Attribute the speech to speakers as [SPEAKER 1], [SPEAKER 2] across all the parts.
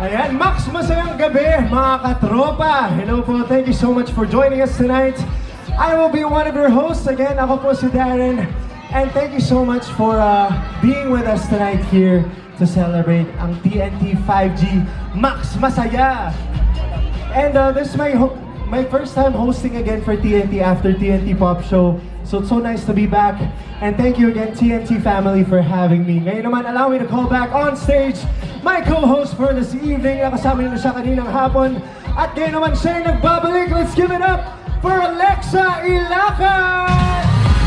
[SPEAKER 1] Ayan, Max, masayang gabi, mga katropa. Hello po, thank you so much for joining us tonight. I will be one of your hosts again. Ako po si Darren. And thank you so much for being with us tonight here to celebrate ang TNT 5G Max Masaya. And this is my first time hosting again for TNT after TNT Pop Show. So it's so nice to be back. And thank you again, TNT family, for having me. Ngayon naman, allow me to call back on stage my co-host for this evening. Nakasama niyo na siya kaninang hapon. At ngayon naman siya nagbabalik. Let's give it up for Alexa Ilacan!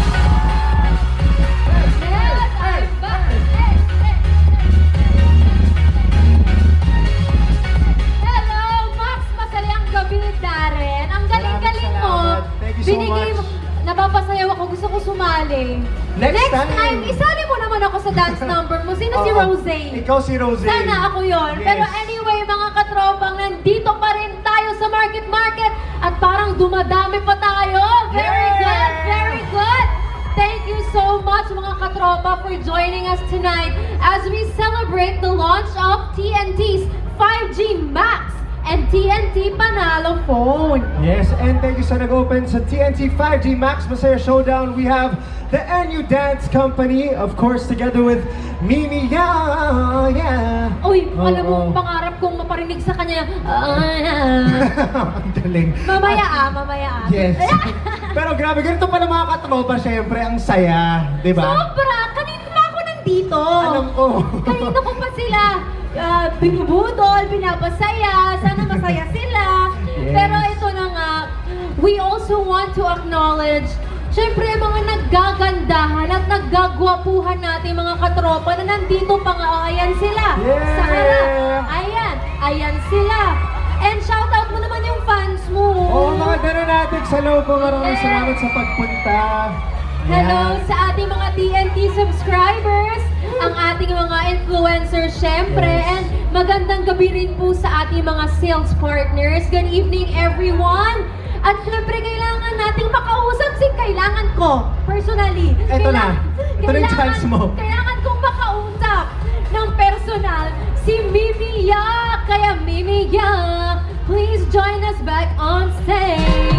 [SPEAKER 2] Darren, ang galing-galing mo. Binigay mo, napapasayaw ako, gusto ko sumali. Next time, isali mo naman ako sa dance number mo. Sino si Rosé?
[SPEAKER 1] Ikaw si Rosé.
[SPEAKER 2] Sana ako yon.
[SPEAKER 1] Yes.
[SPEAKER 2] Pero anyway, mga katropang, nandito pa rin tayo sa Market at parang dumadami pa tayo. Very good, very good. Thank you so much, mga katropa, for joining us tonight as we celebrate the launch of TNT's 5G Max and TNT Panalo Phone.
[SPEAKER 1] Yes, and thank you sa nag-open sa TNT 5G Max Masaya Showdown. We have the NU Dance Company, of course, together with Mimi. Yeah.
[SPEAKER 2] Uy, alam mo, pangarap kong maparinig sa kanya.
[SPEAKER 1] Ang galing.
[SPEAKER 2] Mamaya.
[SPEAKER 1] Yes. Pero grabe, ganito pala mga katropa, syempre, ang saya, di ba?
[SPEAKER 2] Sobra! Kanina pa ako nandito.
[SPEAKER 1] Alam ko.
[SPEAKER 2] Kanina ko pa sila binubudol, pinapasaya, sana masaya sila.
[SPEAKER 1] Yes.
[SPEAKER 2] Pero ito na nga, we also want to acknowledge, syempre, mga naggagandahan at naggagwapuhan natin mga katropa na nandito pa nga, ayan sila.
[SPEAKER 1] Yeah.
[SPEAKER 2] Sa harap. Ayan sila. And shoutout mo naman yung fans mo.
[SPEAKER 1] Oo, mga natin sa loob po. Maraming salamat sa pagpunta.
[SPEAKER 2] Hello sa ating mga TNT subscribers, ang ating mga influencers syempre, and magandang gabi rin po sa ating mga sales partners. Good evening everyone! At syempre kailangan nating makausap kailangan ko, personally.
[SPEAKER 1] Ito na yung chance mo.
[SPEAKER 2] Kailangan kong makausap ng personal si Mimi Ya. Kaya Mimi Ya, please join us back on stage.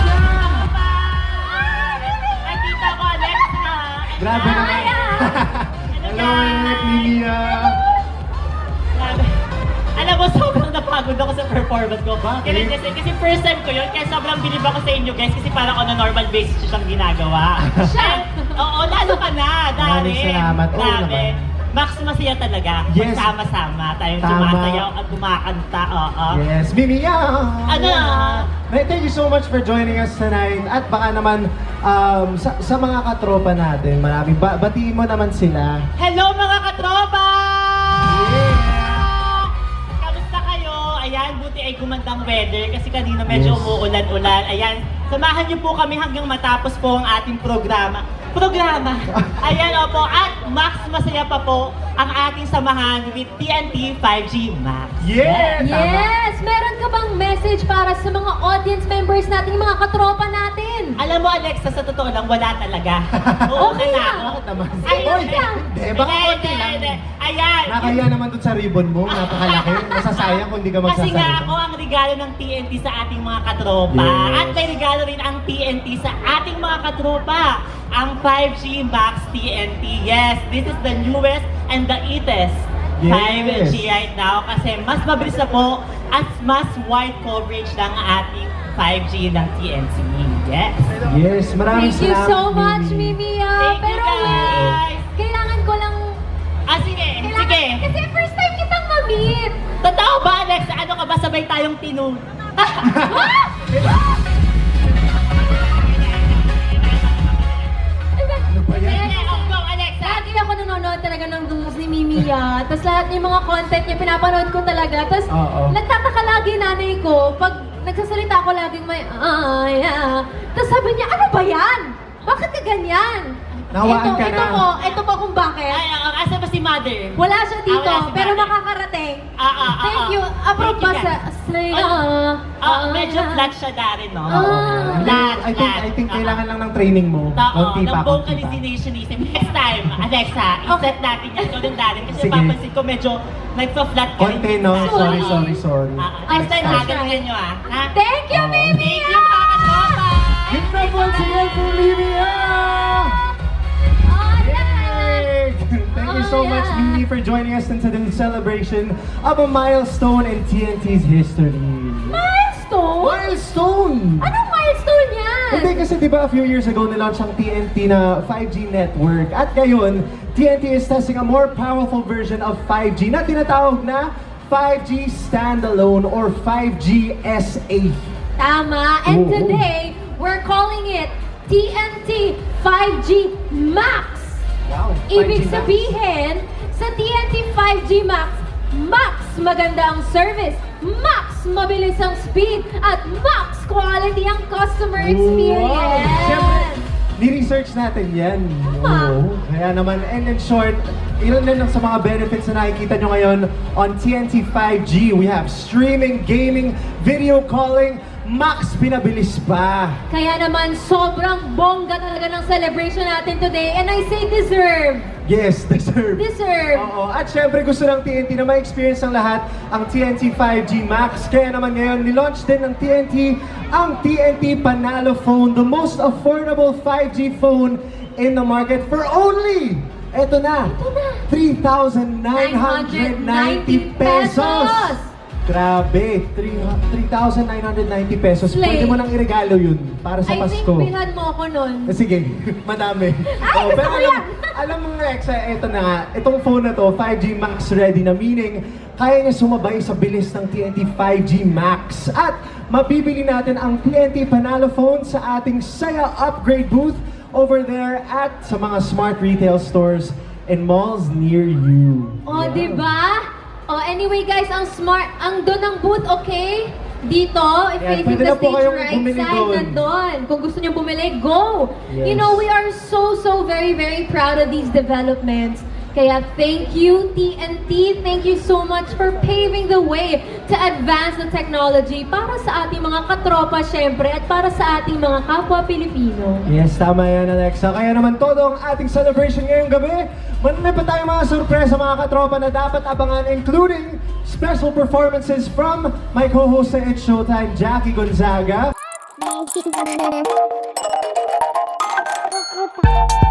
[SPEAKER 1] Grabe naman. Hello, Mimia.
[SPEAKER 3] Alam mo, sobrang napagod ako sa performance ko.
[SPEAKER 1] Bakit?
[SPEAKER 3] Kasi first time ko yun, kaya sobrang bilib ako sa inyo guys, kasi parang on a normal basis siyang ginagawa. Oo, lalo ka na, Darren.
[SPEAKER 1] Maraming salamat. Oo naman.
[SPEAKER 3] Max, masaya talaga.
[SPEAKER 1] Yes.
[SPEAKER 3] Magsama-sama tayong
[SPEAKER 1] Tama.
[SPEAKER 3] sumasayaw at kumakanta. Oo.
[SPEAKER 1] Yes, Mimia.
[SPEAKER 3] Ano?
[SPEAKER 1] Thank you so much for joining us tonight. At baka naman, sa mga katropa natin, maraming batiin mo naman sila.
[SPEAKER 3] Hello mga katropa!
[SPEAKER 1] Yeah.
[SPEAKER 3] Kamusta kayo? Ayan, buti ay gumandang weather kasi kanina medyo
[SPEAKER 1] Yes.
[SPEAKER 3] umuulan-ulan. Ayan, samahan niyo po kami hanggang matapos po ang ating programa. Ayan, opo. At Max, masaya pa po ang ating samahan with TNT 5G Max.
[SPEAKER 1] Yeah! Tama.
[SPEAKER 2] Yes! Meron ka bang message para sa mga audience members natin, mga katropa natin?
[SPEAKER 3] Alam mo, Alexa, sa totoo lang, wala talaga. Oo,
[SPEAKER 2] Okay
[SPEAKER 3] na
[SPEAKER 2] lang.
[SPEAKER 3] ako.
[SPEAKER 1] Bakit naman?
[SPEAKER 3] Ayun,
[SPEAKER 1] Oy, hindi, baka konti lang.
[SPEAKER 3] Ayan.
[SPEAKER 1] Nakakaya naman dun sa ribbon mo, napakalaki. Masasayang kung di ka
[SPEAKER 3] Kasi nga
[SPEAKER 1] magsasalita.
[SPEAKER 3] ako ang regalo ng TNT sa ating mga katropa.
[SPEAKER 1] Yes.
[SPEAKER 3] At may regalo rin ang TNT sa ating mga katropa. Ang 5G Max TNT. Yes, this is the newest and the latest
[SPEAKER 1] Yes.
[SPEAKER 3] 5G right now. Kasi mas mabilis na po at mas wide coverage ng ating 5G ng TNT. Yes.
[SPEAKER 1] Yes, maraming
[SPEAKER 2] Thank you
[SPEAKER 1] salamat,
[SPEAKER 2] so much, Mimi.
[SPEAKER 3] Thank you,
[SPEAKER 2] Pero
[SPEAKER 3] guys.
[SPEAKER 2] kailangan ko lang...
[SPEAKER 3] Sige.
[SPEAKER 2] Kasi first time kitang ma-meet.
[SPEAKER 3] Totoo ba, Alex? Ano ka ba? Sabay tayong tinun.
[SPEAKER 1] Ano ba yan?
[SPEAKER 3] Go, Alexa.
[SPEAKER 2] Lagi ako nanonood talaga ng vlogs ni Mimi Ya. Tapos lahat ng mga content niya, pinapanood ko talaga. Tapos
[SPEAKER 1] Oo.
[SPEAKER 2] nagtataka lagi nanay ko, pag nagsasalita ako laging may, Tapos sabi niya, ano ba yan? Bakit ka ganyan?
[SPEAKER 1] Nawaan ka na.
[SPEAKER 2] Ito po kung bakit.
[SPEAKER 3] Ay, asa ba si Mother?
[SPEAKER 2] Wala siya dito,
[SPEAKER 3] Wala si
[SPEAKER 2] pero
[SPEAKER 3] Mother.
[SPEAKER 2] makakarating. Thank you. Approve ba sa...
[SPEAKER 3] Medyo flat siya dari, no?
[SPEAKER 2] Ah.
[SPEAKER 1] I think kailangan lang ng training mo. Konti
[SPEAKER 3] ng
[SPEAKER 1] pa, konti pa.
[SPEAKER 3] vocalizationism. Next time, Alexa, i-set natin yan. Ikaw din dari. Kasi
[SPEAKER 1] Sige.
[SPEAKER 3] papansin ko medyo nagpa-flat ka rin.
[SPEAKER 1] Konti, no?
[SPEAKER 3] minsan.
[SPEAKER 1] Sorry.
[SPEAKER 3] Next time, galingan nyo, ha?
[SPEAKER 2] Thank you, Mimi!
[SPEAKER 3] Thank you, mga katropa!
[SPEAKER 1] Give it up once again for Livia!
[SPEAKER 2] Oh, yes!
[SPEAKER 1] Yay! Thank you so much, Mimi, for joining us in today's celebration of a milestone in TNT's history.
[SPEAKER 2] Milestone?
[SPEAKER 1] Milestone!
[SPEAKER 2] Anong milestone yan?
[SPEAKER 1] Hindi kasi di ba a few years ago nilaunch ang TNT na 5G network at ngayon, TNT is testing a more powerful version of 5G na tinatawag na 5G Standalone or 5G SA.
[SPEAKER 2] Tama. And
[SPEAKER 1] Oo.
[SPEAKER 2] today, we're calling it TNT 5G Max.
[SPEAKER 1] Wow, 5G
[SPEAKER 2] Ibig
[SPEAKER 1] Max.
[SPEAKER 2] sabihin, sa TNT 5G Max, max maganda ang service, max mabilis ang speed, at max quality ang customer experience.
[SPEAKER 1] Wow! Siyempre, ni-research natin yan.
[SPEAKER 2] Tama.
[SPEAKER 1] Oo. Kaya naman, and in short, ilan din sa mga benefits na nakikita nyo ngayon on TNT 5G. We have streaming, gaming, video calling, max pinabilis pa.
[SPEAKER 2] Kaya naman, sobrang bongga talaga ng celebration natin today. And I say deserve.
[SPEAKER 1] Yes, deserve.
[SPEAKER 2] Deserve.
[SPEAKER 1] Oo. At syempre gusto ng TNT na ma-experience ng lahat ang TNT 5G Max. Kaya naman ngayon, nilaunch din ng TNT ang TNT Panalo Phone, the most affordable 5G phone in the market for only, eto na, 3,990 pesos. Grabe, 3,990 pesos.
[SPEAKER 2] Slay.
[SPEAKER 1] Pwede mo nang iregalo yun para sa
[SPEAKER 2] I
[SPEAKER 1] Pasko.
[SPEAKER 2] think bilhan mo ako nun.
[SPEAKER 1] Sige, madami.
[SPEAKER 2] Ay, gusto
[SPEAKER 1] pero
[SPEAKER 2] ko
[SPEAKER 1] alam,
[SPEAKER 2] yan!
[SPEAKER 1] alam mo nga, Exa, ito na nga, itong phone na to, 5G Max ready na, meaning, kaya niya sumabay sa bilis ng TNT 5G Max. At mabibili natin ang TNT Panalo phone sa ating Saya Upgrade booth over there at sa mga smart retail stores and malls near you.
[SPEAKER 2] O,
[SPEAKER 1] Yeah.
[SPEAKER 2] di ba? O, anyway guys, ang smart, ang doon ang booth, okay? Dito, if
[SPEAKER 1] Yan,
[SPEAKER 2] facing
[SPEAKER 1] pwede
[SPEAKER 2] the
[SPEAKER 1] na po
[SPEAKER 2] stage
[SPEAKER 1] kayong
[SPEAKER 2] right
[SPEAKER 1] bumili
[SPEAKER 2] side,
[SPEAKER 1] doon.
[SPEAKER 2] nandun. Kung gusto niyo bumili, go!
[SPEAKER 1] Yes.
[SPEAKER 2] You know, we are so very proud of these developments. Kaya thank you, TNT. Thank you so much for paving the way to advance the technology para sa ating mga katropa, syempre, at para sa ating mga kapwa Pilipino.
[SPEAKER 1] Yes, tama yan, Alexa. Kaya naman todo ang ating celebration ngayong gabi. Marami pa tayong mga sorpresa, mga katropa, na dapat abangan, including special performances from my co-host sa It's Showtime, Jackie Gonzaga.